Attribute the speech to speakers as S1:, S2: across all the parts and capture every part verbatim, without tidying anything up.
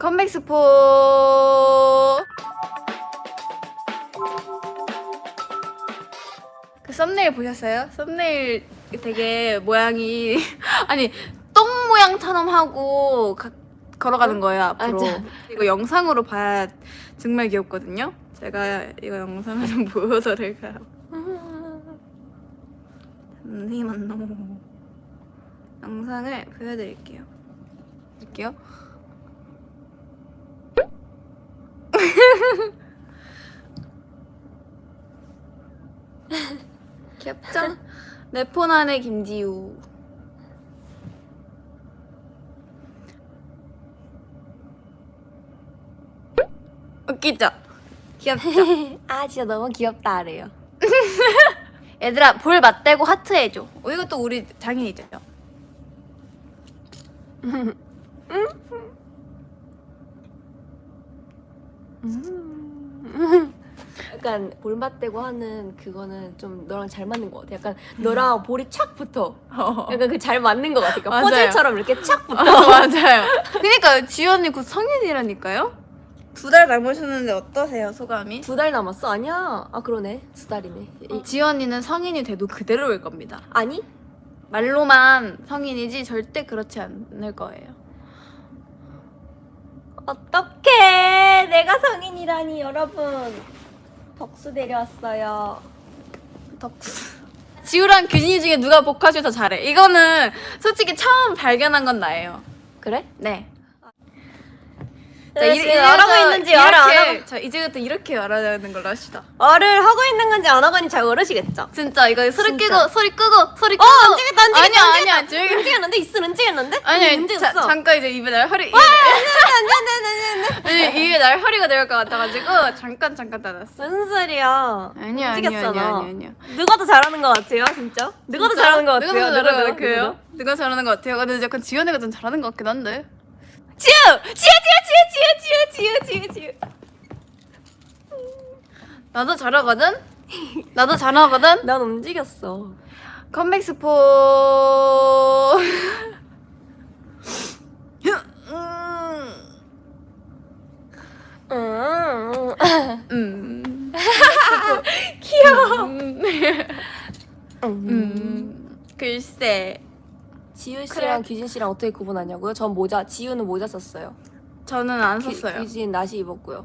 S1: 컴백 스포. 그 썸네일 보셨어요? 썸네일 되게 모양이 아니 똥 모양처럼 하고 가, 걸어가는 거예요 앞으로.
S2: 맞아.
S1: 이거 영상으로 봐야 정말 귀엽거든요. 제가 이거 영상을 좀 보여드릴까요? 잠시만요. 영상을 보여드릴게요. 볼게요. 귀엽죠? 내 폰 안에 김지우. 웃기죠? 귀엽죠?
S2: 아 진짜 너무 귀엽다 래요.
S1: 얘들아 볼 맞대고 하트 해줘. 어, 이것도 우리 장인이죠?
S2: 음. 약간 볼 맞대고 하는 그거는 좀 너랑 잘 맞는 것 같아. 약간 너랑 볼이 착 붙어. 약간 그 잘 맞는 것 같아. 그러니까
S1: 맞아요.
S2: 퍼즐처럼 이렇게 착 붙어.
S1: 어, 맞아요. 그러니까 지우 언니 곧 성인이라니까요? 두 달 남으셨는데 어떠세요 소감이?
S2: 두 달 남았어? 아니야. 아 그러네. 두 달이네. 이-
S1: 지우 언니는 성인이 돼도 그대로일 겁니다.
S2: 아니?
S1: 말로만 성인이지 절대 그렇지 않을 거예요.
S2: 어떡해. 내가 성인이라니 여러분. 덕수 데려왔어요.
S1: 덕수. 지우랑 규진이 중에 누가 보카쇼 더 잘해? 이거는 솔직히 처음 발견한 건 나예요.
S2: 그래?
S1: 네.
S2: 자, 이, 이, 말하고 있는지 말을 안 하고
S1: 자 이제부터 이렇게 말하는 걸로 합시다.
S2: 말을 하고 있는 건지 안 하고 있는지 잘 모르시겠죠?
S1: 진짜 이거 소리
S2: 진짜.
S1: 끄고 소리 끄고 소리
S2: 어
S1: 끄고.
S2: 움직였다 움직였다
S1: 아니야
S2: 움직였다.
S1: 아니야 조용히.
S2: 움직였는데 있어 움직였는데?
S1: 아니야
S2: 움직였어.
S1: 자, 잠깐 이제 입에 날 허리. 아니 입에 날 허리가 내려올 것 같아가지고 잠깐 잠깐 닫았어.
S2: 무슨 소리야?
S1: 아니야 아니야
S2: 움직였어,
S1: 아니야
S2: 너.
S1: 아니야 아니야.
S2: 누가 더 잘하는 것 같아요 진짜? 누가 더
S1: 진짜?
S2: 잘하는 것 같아요?
S1: 누가 더 잘하는 것
S2: 누가,
S1: 같아요?
S2: 누가?
S1: 누가 잘하는 것 같아요? 근데 약간 지연이가 좀 잘하는 것 같긴 한데.
S2: 지우! 지우 지우 지우 지우 지우 지우 지우
S1: 나도 잘하거든. 나도 잘하거든.
S2: 난 움직였어.
S1: 컴백 스포.
S2: 음.
S1: 음.
S2: 귀여워.
S1: 음.
S2: 음.
S1: 음. 글쎄.
S2: 지우 씨랑 규진 씨랑 어떻게 구분하냐고요? 전 모자, 지우는 모자 썼어요.
S1: 저는 안
S2: 규,
S1: 썼어요.
S2: 규진 나시 입었고요.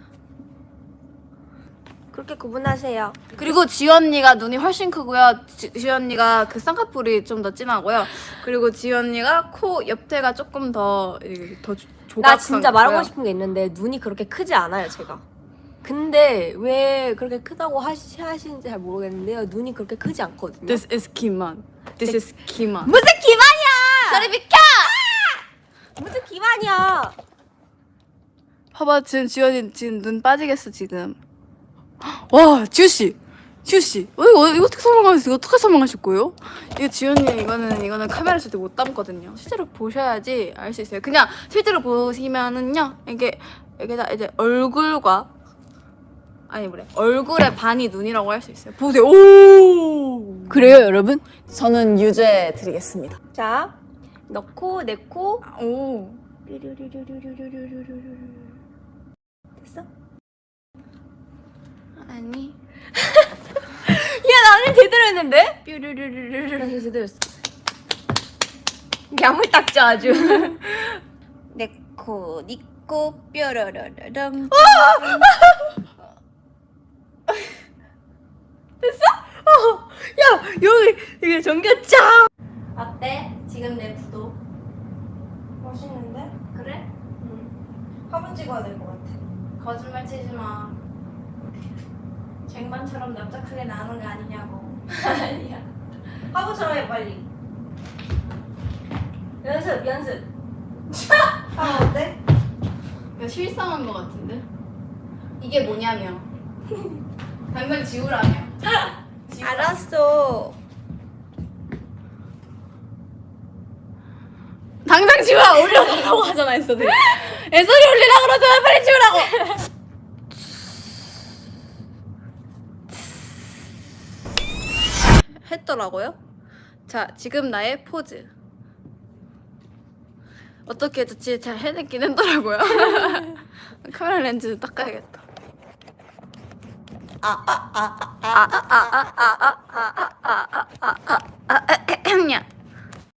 S2: 그렇게 구분하세요.
S1: 그리고 지연 언니가 눈이 훨씬 크고요. 지, 지연 언니가 그 쌍꺼풀이 좀 더 진하고요. 그리고 지연 언니가 코 옆태가 조금 더더 조각.
S2: 나 진짜 말하고 싶은 게 있는데 눈이 그렇게 크지 않아요 제가. 근데 왜 그렇게 크다고 하시, 하시는지 잘 모르겠는데요. 눈이 그렇게 크지 않거든요.
S1: This is 기만. This is 기만.
S2: 무슨 기만이야!
S1: 저리 비켜!
S2: 무슨 기만이야!
S1: 봐봐 지금 지연이 지금 눈 빠지겠어 지금. 와 지우 씨, 지우 씨, 어, 이거, 이거 어떻게 설명하실 이거 어떻게 설명하실 거예요? 이거 지연이 이거는 이거는 카메라 쓸 때 못 담거든요. 실제로 보셔야지 알 수 있어요. 그냥 실제로 보시면은요 이게 이게 다 이제 얼굴과 아니 뭐래 얼굴의 반이 눈이라고 할 수 있어요. 보세요. 오.
S3: 그래요, 여러분? 저는 유죄 드리겠습니다.
S2: 자, 넣고 내코
S1: 오.
S2: 됐어?
S1: 아니.
S2: 야 나는 제대로 했는데?
S1: 뾰루루루루루.
S2: 나 제대로 했어. 야물딱져 아주.
S1: 내코 니코 뾰로로로롱.
S2: 야 여기 이게 전겼죠?
S1: 어때? 지금 내 구도
S2: 멋있는데?
S1: 그래?
S2: 응. 화분 찍어야 될 것 같아.
S1: 거짓말 치지 마. 쟁반처럼 납작하게 나오는 거 아니냐고.
S2: 아니야. 화분처럼 해 빨리. 연습 연습. 아 어때?
S1: 이거 실상한 거 같은데? 이게 뭐냐며. 당장 지우라며. 지우라.
S2: 알았어.
S1: 당장 지우라 올려달라고 하잖아 했어도. 애소리 올리라 그러잖아 빨리 지우라고. 했더라고요. 자 지금 나의 포즈. 어떻게 좋지 잘 해냈긴 했더라고요. 카메라 렌즈 닦아야겠다. 아, 아, 아, 아, 아, 아, 아, 아, 아, 아, 아, 아, 아.